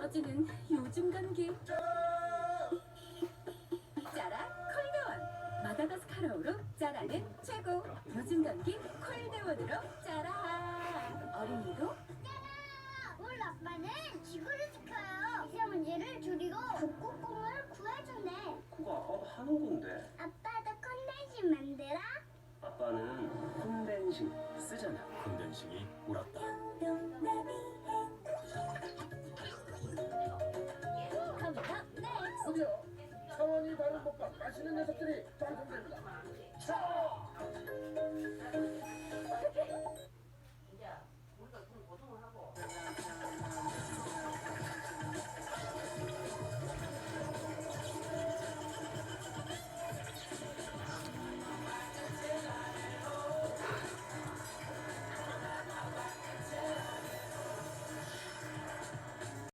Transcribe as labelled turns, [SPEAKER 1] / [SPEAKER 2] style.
[SPEAKER 1] 떨어지는 요즘 감기. 짜라 콜드원. 마다가스카르어로 짜라는 최고. 요즘 감기 콜드원으로 짜라. 어린이도
[SPEAKER 2] 우리 아빠는 지구를 지켜요. 미세먼지를 줄이고 북극곰을 구해준대.
[SPEAKER 3] 그거 아빠도 하는 건데.
[SPEAKER 2] 아빠도 컨덴싱 만들어?
[SPEAKER 3] 아빠는 콘덴싱 쓰잖아.
[SPEAKER 4] 콘덴싱이 울었다.
[SPEAKER 1] 컴퓨터 넥스트.
[SPEAKER 5] 저기요, 차원이 바른 못밥 맛있는 녀석들이 방송됩니다. 차원!